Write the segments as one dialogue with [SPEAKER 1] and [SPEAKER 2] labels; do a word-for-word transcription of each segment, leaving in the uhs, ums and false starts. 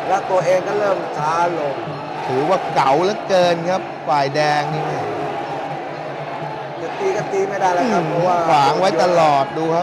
[SPEAKER 1] แล้วตัวเองก็เริ่มช้าลง
[SPEAKER 2] ถือว่าเก่าเหลือเกินครับฝ่ายแดงนี่
[SPEAKER 1] จะตีก็ตีไม่ได้แล้วครับเพราะว่า
[SPEAKER 2] ขวางไว้ตลอดดูครับ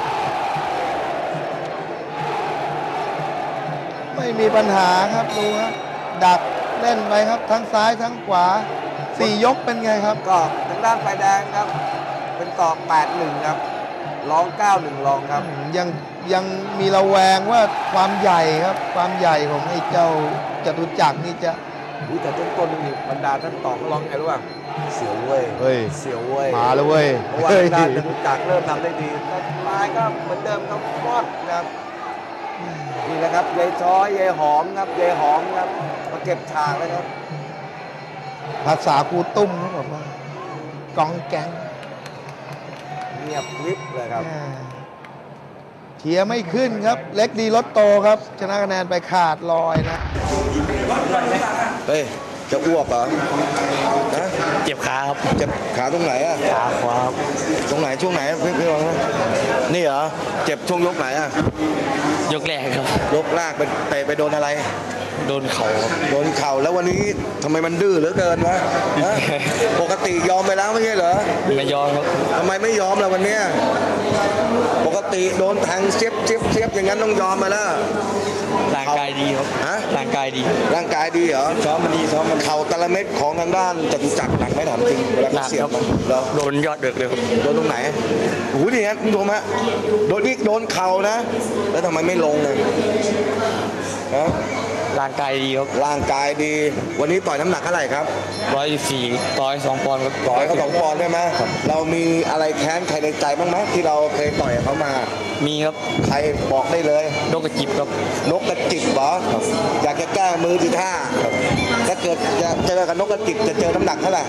[SPEAKER 2] ไม่มีปัญหาครับดูครับดักเล่นไปครับทั้งซ้ายทั้งขวาสี่ยกเป็นไงครับ
[SPEAKER 1] ก็ทางด้านฝ่ายแดงครับเป็นต่อ แปดหนึ่ง ครับร้อง เก้าหนึ่ง รองครับ
[SPEAKER 2] ยังยังมีระแวงว่าความใหญ่ครับความใหญ่ของไอ้เจ้าจตุจักรนี่จะ
[SPEAKER 1] อุ้ยแต่ต้นต้นนี่บรรดาท่านต่อก็ร้องไงรู้ป่ะเสียวเว้ย
[SPEAKER 2] เฮ้ย
[SPEAKER 1] เสียวเว้ย
[SPEAKER 2] มาแล้วเว้ย
[SPEAKER 1] เพราะว่าทางด้านจตุจักรเริ่มทำได้ดีแต่ปลายก็เหมือนเดิมครับฟอดครับนี่แหละครับยายช้อยยายหอมครับยายหอมครับมาเก็บฉากเลยครับ
[SPEAKER 2] ภาษาครูตุ้มเขาบอกว่ากองแกง
[SPEAKER 1] เงียบลิบเลยครับ
[SPEAKER 2] เชียร์ไม่ขึ้นครับเล็กดีรถโตครับชนะคะแนนไปขาดลอยนะ
[SPEAKER 1] เฮ้ยจะอ้วกเหรอ
[SPEAKER 3] นะเจ็บขาครับ
[SPEAKER 1] เจ็บขาตรงไหนอะ
[SPEAKER 3] ขาขวา
[SPEAKER 1] ตรงไหนช่วงไหนพี่พี่ลองนะนี่เหรอเจ็บช่วงยกไหนอะ
[SPEAKER 3] ยกแรกครับ
[SPEAKER 1] ยกแรกไปเตะไปโดนอะไร
[SPEAKER 3] โดนเข่า
[SPEAKER 1] โดนเข่าแล้ววันนี้ทำไมมันดื้อเหลือเกินวะปกติยอมไปแล้วไม่ใช่เหรอ
[SPEAKER 3] ไม่ยอมครับ
[SPEAKER 1] ทำไมไม่ยอมล่ะวันนี้ปกติโดนแทงเสียบเสียบเสียบอย่างนั้นต้องยอมมาแล้ว
[SPEAKER 3] ร่างกายดีครับ
[SPEAKER 1] ฮะ
[SPEAKER 3] ร่างกายดี
[SPEAKER 1] ร่างกายดีเหรอ
[SPEAKER 3] ซ้อมมันดีซ้อมมัน
[SPEAKER 1] เข่าตะละเม็ดของทางด้านจตุจักรหนักไม่ถามจริงเวลาเสียบมัน
[SPEAKER 3] โดนยอดเดือดเลยครับ
[SPEAKER 1] โดนตรงไหนโอ้โหนี่ฮะคุณผู้ชมฮะโดนนี่โดนเข่านะแล้วทำไมไม่ลงเลยฮะ
[SPEAKER 3] ร่างกายดีครับ
[SPEAKER 1] ร่างกายดีวันนี้ต่อยน้ำหนักเท่าไหร่ครับ
[SPEAKER 3] ร้อยสี่ต่อยสองปอนด์ครับ
[SPEAKER 1] ต่อยเขาสองปอนด์ใช่ไหมเรามีอะไรแค้นใครในใจบ้างไหมที่เราเคยต่อยเขามา
[SPEAKER 3] มีครับ
[SPEAKER 1] ใครบอกได้เลย
[SPEAKER 3] นกกระจิบครับ
[SPEAKER 1] นกกระจิบเหรออยากจะแก้มือทีท่าถ้าเกิดจะเจอกับนกกระจิบจะเจอน้ำหนักเท่าไหร่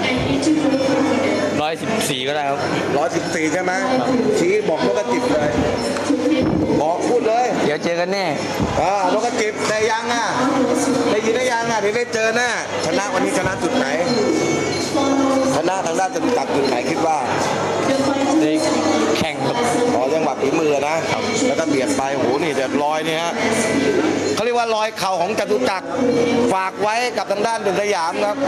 [SPEAKER 3] ร้อยสิบสี่ก็ได้ครับ
[SPEAKER 1] ร้อยสิบสี่ใช่ไหมชี้บอกนกกระจิบเลยบอกพูดเลย
[SPEAKER 3] เดี๋ยวเจอกันแน่
[SPEAKER 1] อ่านกกระจิบได้ยังอ่ะได้ยินได้ยังอ่ะเดี๋ยวได้เจอแน่ชนะวันนี้ชนะจุดไหนชนะทางด้านจตุจักรจุดไหนคิดว่า
[SPEAKER 3] ได้แข่งครับ
[SPEAKER 1] อ๋อยังหวัดฝีมือนะแล้วก็เบียดไปโอ้โหนี่แต่รอยนี่ฮะเขาเรียกว่ารอยเข่าของจตุจักรฝากไว้กับทางด้านเด่นสยามครับ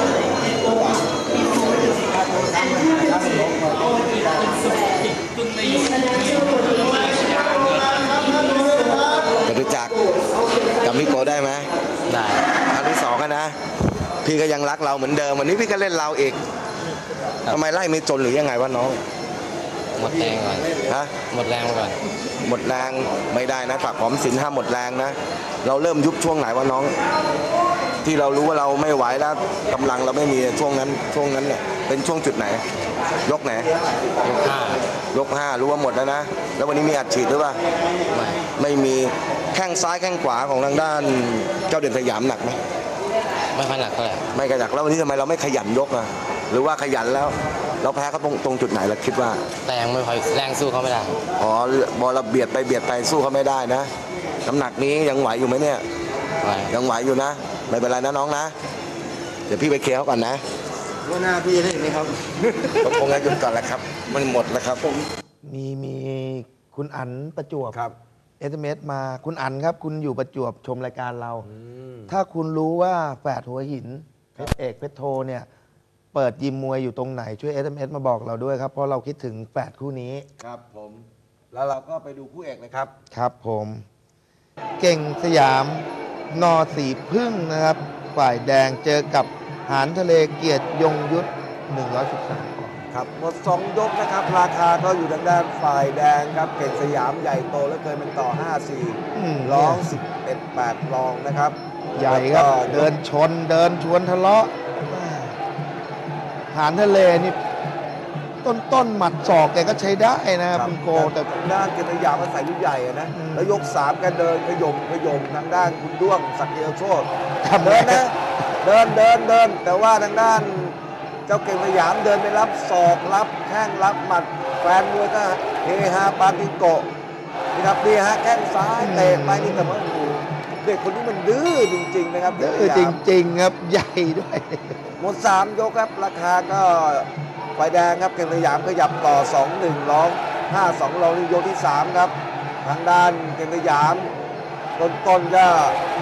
[SPEAKER 1] จตุจักรจำพี่โกได้ไหม
[SPEAKER 3] ได้
[SPEAKER 1] ครั้งที่สองกันนะพี่ก็ยังรักเราเหมือนเดิมวันนี้พี่ก็เล่นเราอีกทำไมไล่ไม่จนหรือยังไงวะน้อง
[SPEAKER 3] หมดแรงก่อน
[SPEAKER 1] ฮะ
[SPEAKER 3] หมดแรงก่อน
[SPEAKER 1] หมดแรงไม่ได้นะฝากหอมสินห้ามหมดแรงนะเราเริ่มยุบช่วงไหนวะน้องที่เรารู้ว่าเราไม่ไหวแล้วกำลังเราไม่มีช่วงนั้นช่วงนั้นเนี่ยเป็นช่วงจุดไหนยกไหน
[SPEAKER 3] ยกห้
[SPEAKER 1] ายกห้ารู้ว่าหมดแล้วนะแล้ววันนี้มีอัดฉีดหรือเปล่า
[SPEAKER 3] ไม่
[SPEAKER 1] ไม่มีแข้งซ้ายแข้งขวาของทางด้านเจ้าเด่นสยามหนักไหม
[SPEAKER 3] ไม่ค่อยหนักเท่าไหร่
[SPEAKER 1] ไม่กระจักแล้ววันนี้ทำไมเราไม่ขยันยกอ่ะหรือว่าขยันแล้วเราแพ้เขาตรงตรงจุดไหนเราคิดว่า
[SPEAKER 3] แรงไม่พอแรงสู้เขาไม่ได้
[SPEAKER 1] อ๋อบอลเราเบียดไปเบียดไปสู้เขาไม่ได้นะน้ำหนักนี้ยังไหวอยู่ไหมเนี่ยยังไหวอยู่นะไม่เป็นไรนะน้องนะเดี๋ยวพี่ไปเคลียร์เขาก่อนนะ
[SPEAKER 3] ว่าหน้าพี่ได้ไหมครับ
[SPEAKER 1] คงจะหยุดก่อนแหละครับมันหมดแล้วครับผม
[SPEAKER 2] มีมีคุณอั๋นประจวบ
[SPEAKER 1] ครับ
[SPEAKER 2] เอสเอ็มเอสมาคุณอั๋นครับคุณอยู่ประจวบชมรายการเราถ้าคุณรู้ว่าแฝดหัวหินเพชรเอกเพชรโทเนี่ยเปิดยิมมวยอยู่ตรงไหนช่วย เอส เอ็ม เอส มาบอกเราด้วยครับเพราะเราคิดถึงแฝดคู่นี้
[SPEAKER 1] ครับผมแล้วเราก็ไปดูคู่เอกนะครับ
[SPEAKER 2] ครับผมเก่งสยามนอสีพึ่งนะครับฝ่ายแดงเจอกับหานทะเลเกียรติยงยุทธหนึ่งร้อยสิบสาม
[SPEAKER 1] ครับหมดสองยกนะครับราคาก็อยู่ทางด้านฝ่ายแดงครับเก่งสยามใหญ่โตแล้วเคยเป็นต่อห้าสี่ร้องสิบเอ็ดแปดรองนะครับ
[SPEAKER 2] ใหญ่ครับเดินชนเดินชวนทะเลาะหานทะเลนี่ต้นต้นหมัดศอกแกก็ใช้ได้นะครับคุณโกแต่
[SPEAKER 1] ด้านเกษยามมันใส่ลูกใหญ่นะแล้วยกสามแกเดินขยมขยมทางด้านคุณด้วงศักดิ์เอลโชตเดินนะเดินเดินเดินแต่ว่าทางด้านเจ้าเก่งสยามเดินไปรับศอกรับแข้งรับหมัดแฟนมวยก็เฮฮาปาติโกะนี่ครับนี่ฮะแข้งซ้ายเตะไปนี่แต่ว่าเด็กคนนี้มันดื้อจริงๆนะครับ
[SPEAKER 2] ดื้อจริงๆครับใหญ่ด้วย
[SPEAKER 1] หมดสามยกครับราคาก็ฝ่ายแดงครับเก่งสยามขยับต่อ สองหนึ่ง ร้องห้าสอง ร้องนี่ยกที่สามครับทางด้านเก่งสยามต้นๆก็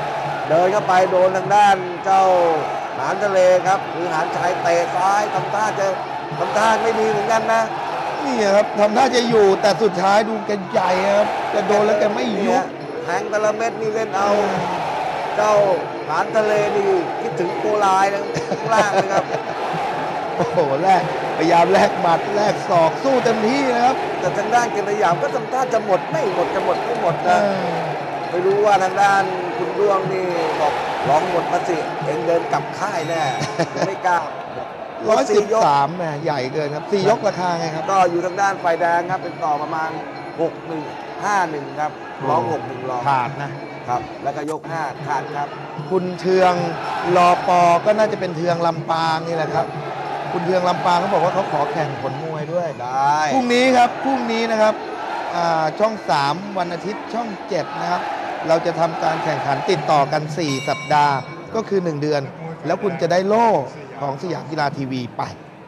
[SPEAKER 1] เดินเข้าไปโดนทางด้านเจ้าหานทะเลครับหรือหานชายเตะซ้ายทำท่าจะทำท่าไม่ดีเหมือนกันนะ
[SPEAKER 2] นี่ครับทำท่าจะอยู่แต่สุดท้ายดูแกใหญ่ครับแกโดนแล้วแกไม่ยุ
[SPEAKER 1] เนี่
[SPEAKER 2] บ
[SPEAKER 1] ยแทงแต่ละเม็ดนี่เล่นเอา เจ้าหานทะเลนี่คิดถึงโกลายนะข้างล่างนะครับ
[SPEAKER 2] โอ้โหแลกพยายามแลกหมัดแลกศอกสู้เต็มที่นะครับ
[SPEAKER 1] แต่ทางด้านเกณฑ์สยามก็ทำท่าจะหมดไม่หมดจะหมดไม่หมด
[SPEAKER 2] เอ
[SPEAKER 1] นะ
[SPEAKER 2] อ
[SPEAKER 1] ไม่รู้ว่าทางด้านคุณดวงนี่บอกร้องหมดมาสิเองเดินกลับค่ายแน่ไม่กล้า
[SPEAKER 2] ร้อยสิบ
[SPEAKER 1] ยก
[SPEAKER 2] สามแหมใหญ่เกินครับสี่ยกราคาไงครับ
[SPEAKER 1] ก็อยู่ทางด้านไฟแดงครับเป็นต่อประมาณหกหนึ่งห้าหนึ่งครับร้องหกหนึ่งร้อง
[SPEAKER 2] ขาดนะ
[SPEAKER 1] ครับ แล้วก็ยกห้าขาดครับ
[SPEAKER 2] คุณเทืองรอปอก็น่าจะเป็นเทืองลำปางนี่แหละครับ คุณเทืองลำปางเขาบอกว่าเขาขอแข่งผลมวยด้วย
[SPEAKER 1] ได้
[SPEAKER 2] พรุ่งนี้ครับพรุ่งนี้นะครับอ่าช่องสามวันอาทิตย์ช่องเจ็ดนะครับ เราจะทำการแข่งขันติดต่อกัน สี่ สัปดาห์ ก็คือ หนึ่ง เดือน แล้วคุณจะได้โล่ของสยามกีฬาทีวีไป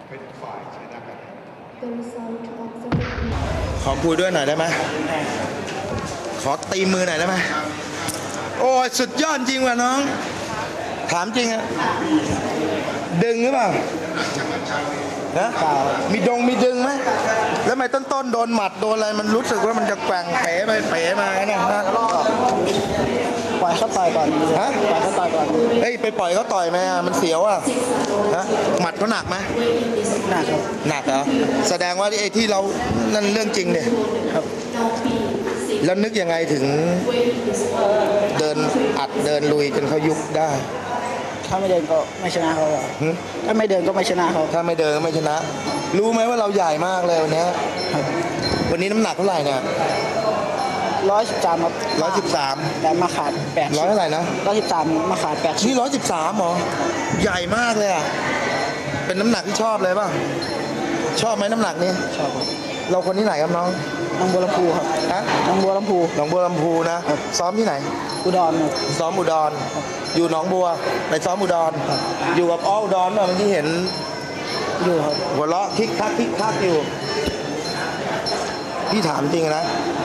[SPEAKER 2] ขอคุยด้วยหน่อยได้ไหมขอตีมือหน่อยได้ไหมโอ้ยสุดยอดจริงว่ะน้อง ถามจริงอะดึงหรือเปล่านะมีดงมีดึงไหมแล้วทำไมต้นต้นๆโดนหมัดโดนอะไรมันรู้สึกว่ามันจะแกว่งเป๋ไปเป๋มาเนี่ยนะ
[SPEAKER 4] ปล่อยเขาต่อยก่อน
[SPEAKER 2] ฮะ
[SPEAKER 4] ปล่อยเขาต่อยก่อน
[SPEAKER 2] เฮ้ยไปปล่อยเขาต่อยไหมอะมันเสียวอ่ะฮะหมัดเขาหนักไหม
[SPEAKER 4] หนักครับ
[SPEAKER 2] หนักเหรอแสดงว่าไอ้ที่เรานั่นเรื่องจริงเนี่ย
[SPEAKER 4] ครับ
[SPEAKER 2] แล้วนึกยังไงถึงเดินอัดเดินลุยจนเขายุบได้
[SPEAKER 4] ถ้าไม่เดินก็ไม่ชนะเขาหรอก
[SPEAKER 2] หึ
[SPEAKER 4] ถ้าไม่เดินก็ไม่ชนะเขา
[SPEAKER 2] ถ้าไม่เดินก็ไม่ชนะ รู้ไหมว่าเราใหญ่มากเลยวันเนี้ย
[SPEAKER 4] ครับ
[SPEAKER 2] วันนี้น้ำหนักเท่าไหร่เนี่ย
[SPEAKER 4] ร้อยสิบสามครับ
[SPEAKER 2] ร้อยสิบสาม
[SPEAKER 4] แต่มาขาดแปด
[SPEAKER 2] ร้อยเท่าไหร่นะ
[SPEAKER 4] ร้อยสิบสามมาขาดแปด
[SPEAKER 2] นี่ร้อยสิบสามหรอใหญ่มากเลยอ่ะเป็นน้ำหนักที่ชอบเลยป่ะชอบไหมน้ำหนักนี้
[SPEAKER 4] ชอบครับ
[SPEAKER 2] เราคนที่ไหนครับน้อง
[SPEAKER 4] น้องบัวลำพูครับ
[SPEAKER 2] ฮะ
[SPEAKER 4] น้องบัวลำพู
[SPEAKER 2] หนองบัวลำพูนะซ้อมที่ไหน
[SPEAKER 4] อุดรครับ
[SPEAKER 2] ซ้อมอุดร อยู่หนองบัวไปซ้อมอุดร อยู่กับอ้ออุดรเมื่อกี้เห็น
[SPEAKER 4] อยู่ครับ
[SPEAKER 2] หัวเราะคิกคักคิกคักอยู่ พี่ถามจริงนะ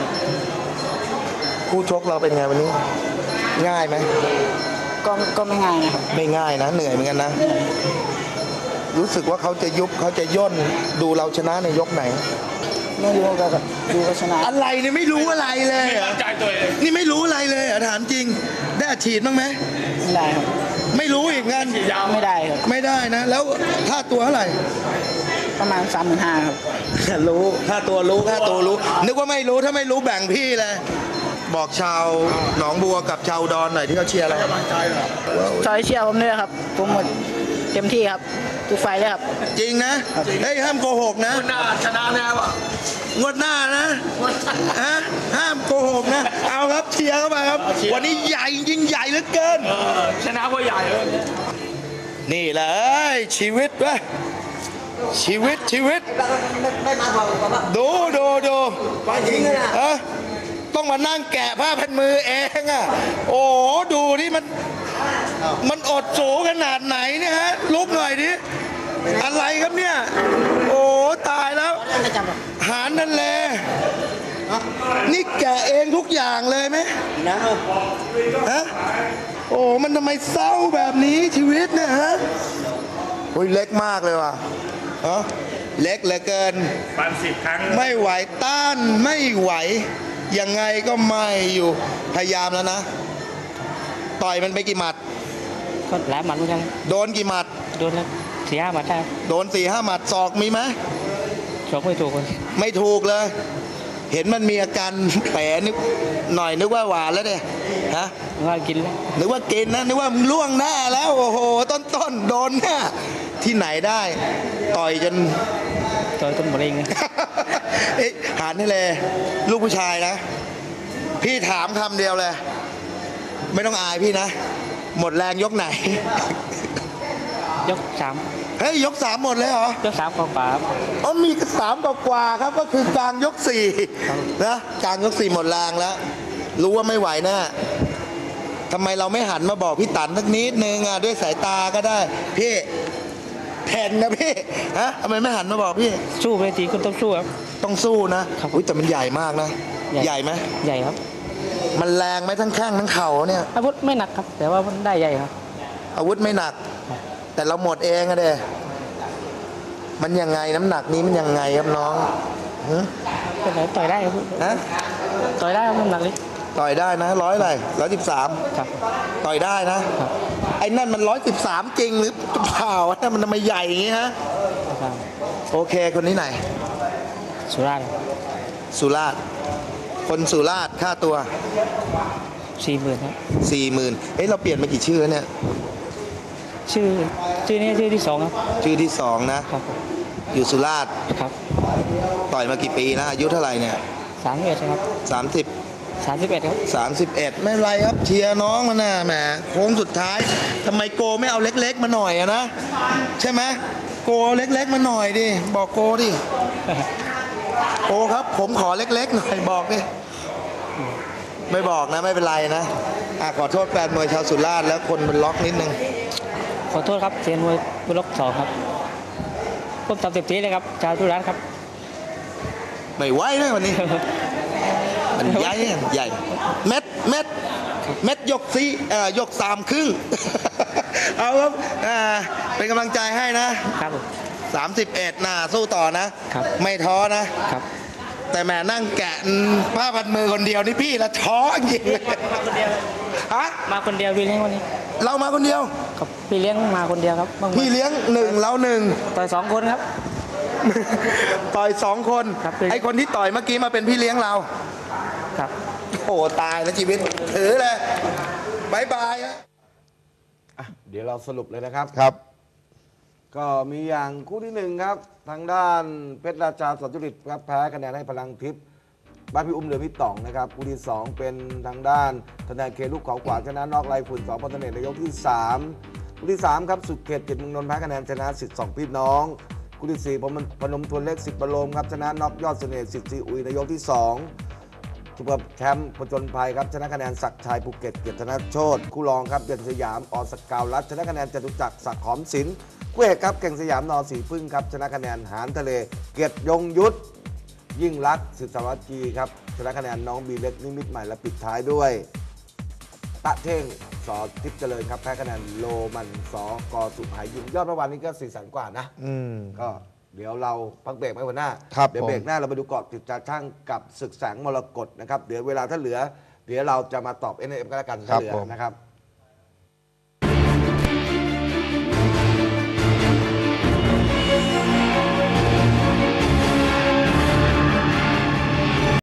[SPEAKER 2] คู่ชกเราเป็นไงวันนี้ ง่ายไหม
[SPEAKER 4] ก็ก็ไม่ง่ายนะครับ
[SPEAKER 2] ไม่ง่ายนะ เหนื่อยเหมือนกันนะ รู้สึกว่าเขาจะยุบเขาจะย่นดูเราชนะในยกไหน
[SPEAKER 4] ไม่รู้ก็ดูก็ชนะ
[SPEAKER 2] อะไรเนี่ยไม่รู้อะไรเลยเหรอนี่ไม่รู้อะไรเลยเหรอถามจริง ได้อัดฉีดบ้างไหม
[SPEAKER 4] ไม่ได้ครับ
[SPEAKER 2] ไม่รู้อีกงั้น
[SPEAKER 4] ไม่ได้ครับ
[SPEAKER 2] ไม่ได้นะ แล้วค่าตัวเท่าไหร่
[SPEAKER 4] ประมาณสามหมื่นห้าครับ
[SPEAKER 2] รู้ค่าตัวรู้ค่าตัวรู้ นึกว่าไม่รู้ถ้าไม่รู้แบ่งพี่เลย บอกชาวหนองบัวกับชาวอุดอนหน่อยที่เขาเชียร์เรา
[SPEAKER 4] ซอยเชียร์ผมด้วยครับ ผมหมดเต็มที่ครับทุกไฟเลยครับ
[SPEAKER 2] จริงนะเฮ้ยห้ามโกหกนะหน้าชนะแน่วะงวดหน้านะฮะห้ามโกหกนะ เอาครับเชียร์เข้ามาครับ วันนี้ใหญ่ยิ่งใหญ่เหลือเกิน
[SPEAKER 5] ชนะเพราะใหญ่เลย
[SPEAKER 2] นี่แหละเอ้ยชีวิตวะชีวิตชีวิต ดูดูดูเออต้องมานั่งแกะผ้าพันมือเองอ่ะโอ้โหดูนี่มันมันอดสูขนาดไหนเนี่ยฮะลุกหน่อยดิอะไรครับเนี่ย โอ้ตายแล้ว หารนั่นแหละนี่แกะเองทุกอย่างเลยไหมฮะโอ้มันทำไมเศร้าแบบนี้ชีวิตเนี่ยฮะโอ้ยเล็กมากเลยว่ะฮะเล็กเหลือเกิน
[SPEAKER 5] ปันสิบครั้ง
[SPEAKER 2] ไม่ไหวต้านไม่ไหว ยังไงก็ไม่อยู่พยายามแล้วนะ ต่อยมันไปกี่หมัด
[SPEAKER 4] ก็หลายหมัดเหมือนกัน
[SPEAKER 2] โดนกี่หมัด
[SPEAKER 4] โดนแล้วสี่ห้าหมัดได้
[SPEAKER 2] โดนสี่ห้าหมัดศอกมีไหม
[SPEAKER 4] ชกไม่ถูกคน
[SPEAKER 2] ไม่ถูกเลย เห็นมันมีอาการแผลนึกหน่อยนึกว่าหวานแล้วเนี่ยฮะ
[SPEAKER 4] ว่ากินแล้ว
[SPEAKER 2] นึกว่ากินนะนึกว่ามึงล่วงหน้าแล้วโอ้โหต้นต้นๆโดนหน้าที่ไหนได้ ต่อยจน
[SPEAKER 4] ต่อยต้นมะเร็ง
[SPEAKER 2] เอ๊ะหานนี่เลยลูกผู้ชายนะ พี่ถามคำเดียวเลย ไม่ต้องอายพี่นะ หมดแรงยกไหน
[SPEAKER 4] ยกสาม
[SPEAKER 2] เฮ้ยยกสามหมดเลยเหรอ
[SPEAKER 4] ยกสามกว่าๆครับ
[SPEAKER 2] อ๋อมีสามกว่าๆครับก็คือกลางยกสี่นะกลางยกสี่หมดแรงแล้ว รู้ว่าไม่ไหวแน่ทำไมเราไม่หันมาบอกพี่ตันสักนิดนึงอ่ะด้วยสายตาก็ได้ พี่แทนนะพี่ฮะทำไมไม่หันมาบอกพี่
[SPEAKER 4] สู้ไปทีคุณต้องสู้ครับ
[SPEAKER 2] ต้องสู้นะครับ อุ้ยแต่มันใหญ่มากนะ
[SPEAKER 4] ใหญ่
[SPEAKER 2] ใหญ่ไหม
[SPEAKER 4] ใหญ่ครับ
[SPEAKER 2] มันแรงไหมทั้งแข้งทั้งเข่าเนี่ย
[SPEAKER 4] อาวุธไม่หนักครับ แต่ว่ามันได้ใหญ่ครับ
[SPEAKER 2] อาวุธไม่หนัก แต่เราหมดเองอะเด้มันยังไงน้ำหนักนี้มันยังไงครับน้องฮะ
[SPEAKER 4] เป็นไรต่อยได้ครับ
[SPEAKER 2] ฮะ
[SPEAKER 4] ต่อยได้ครับน้ำหนักนี้
[SPEAKER 2] ต่อยได้นะร้อยอะไรร้อยสิบสาม
[SPEAKER 4] ครับ
[SPEAKER 2] ต่อยได้นะครับ ไอ้นั่นมันร้อยสิบสามจริงหรือเปล่านั่นมันทำไมใหญ่อย่างงี้ฮะ
[SPEAKER 4] ครับ
[SPEAKER 2] โอเคคนนี้ไหน
[SPEAKER 4] สุราษฎร์
[SPEAKER 2] สุราษฎร์คนสุราษฎร์ค่าตัว
[SPEAKER 4] สี่หมื่นครับ
[SPEAKER 2] สี่หมื่นเอ้ยเราเปลี่ยนมากี่ชื่อแล้วเนี่ย
[SPEAKER 4] ชื่อชื่อนี้ชื่อที่สองครับ
[SPEAKER 2] ชื่อที่สองนะ
[SPEAKER 4] ครับผม
[SPEAKER 2] อยู่สุราษฎร์
[SPEAKER 4] ครับ
[SPEAKER 2] ต่อยมากี่ปีนะอายุเท่าไหร่เนี่ย
[SPEAKER 4] สามสิบเอ็ดครับ
[SPEAKER 2] สามสิบ
[SPEAKER 4] สามสิบเอ็ดครับ
[SPEAKER 2] สามสิบเอ็ดไม่เป็นไรครับเชียร์น้องมันนะแหมโค้งสุดท้ายทำไมโกไม่เอาเล็กๆมาหน่อยอะนะใช่ไหมโกเอาเล็กๆมาหน่อยดิบอกโกดิโกครับ ผมขอเล็กๆหน่อยบอกดิไม่บอกนะไม่เป็นไรนะอ่ะขอโทษแฟนมวยชาวสุราษฎร์แล้วคนเป็นล็อกนิดนึง
[SPEAKER 4] ขอโทษครับเซียนมวยบุล็อกสองครับผมทำเต็มที่เลยครับชาวทุรัสครับ
[SPEAKER 2] ไม่ไหวเลยวันนี้ มันใหญ่อะใหญ่ เม็ดเม็ดเม็ดยกสี่เอ่อยกสามครึ่ง เอาครับอ่าเป็นกำลังใจให้นะครับ
[SPEAKER 4] ผม
[SPEAKER 2] สามสิบเอ็ดน่ะสู้ต่อนะ
[SPEAKER 4] ครับ
[SPEAKER 2] ไม่ท้อนะ
[SPEAKER 4] ครับ
[SPEAKER 2] แต่แม่นั่งแกะผ้าพันมือคนเดียวนี่พี่ละท้อจริงเลย
[SPEAKER 4] มาคนเดียว
[SPEAKER 2] ฮะ
[SPEAKER 4] มาคนเดียวพี่เลี้ยงวันนี้
[SPEAKER 2] เรามาคนเดียว
[SPEAKER 4] ครับพี่เลี้ยงมาคนเดียวครับบางวัน
[SPEAKER 2] พี่เลี้ยงหนึ่งเราหนึ่ง
[SPEAKER 4] ต่อยสองคนครับ
[SPEAKER 2] ต่อยสองคน
[SPEAKER 4] ครับ
[SPEAKER 2] ไอคนที่ต่อยเมื่อกี้มาเป็นพี่เลี้ยงเรา
[SPEAKER 4] ครับ
[SPEAKER 2] โอ้ตายแล้วชีวิตถือเลยบายบายฮะ
[SPEAKER 1] อ่ะเดี๋ยวเราสรุปเลยนะครับ
[SPEAKER 2] ครับ
[SPEAKER 1] ก็มีอย่างคู่ที่หนึ่งครับ ทางด้านเพชรราชาสอนจุริตครับแพ้คะแนนให้พลังทิพย์บ้านพี่อุ้มเดือพี่ต่องนะครับคู่ที่สองเป็นทางด้านทนายเคลูกเขาขวางชนะนอกลายฝุ่นสองพันธเนศในยกที่สามคู่ที่สามครับสุดเขตจิตเมืองนนท์แพ้คะแนนชนะสิทธิ์สองพี่น้องคู่ที่สี่ผมพนมทวนเล็กสิทธิ์บรมครับชนะนอกยอดเสน่ห์สิทธิ์ซีอุยในยกที่สองซุปเปอร์แชมป์ผจญภัยครับชนะคะแนนศักดิ์ชัยภูเก็ตเกียรติธนโชตคู่รองครับเด่นสยามอสกาวรัฐชนะคะแนนจตุจักรศักดิ์หอมศิลป์คู่เอกครับเก่งสยามนอสีพึ่งครับชนะคะแนนหานทะเลเกียรติยงยุทธยิ่งรักษณ์สิทธสวัสดีครับชนะคะแนนน้องบีเล็กนิมิตใหม่และปิดท้ายด้วยตะเท่งสอทิพย์เจริญครับแพ้คะแนนโลมันสอกอสุหายยิมยอดเมื่อวานนี้ก็สี่แสนกว่านะ
[SPEAKER 2] อืม
[SPEAKER 1] ก็เดี๋ยวเราพักเบรกไว้วันหน้า
[SPEAKER 2] ครับ
[SPEAKER 1] เดี๋ยว
[SPEAKER 2] ผม
[SPEAKER 1] เบรกหน้าเราไปดูเกาะติดตาช่างกับศึกแสงมรกตนะครับ เดี๋ยวเวลาถ้าเหลือ เดี๋ยวเราจะมาตอบ เอ็น เอฟ กันแล้วกันถ้าเหลือนะครับ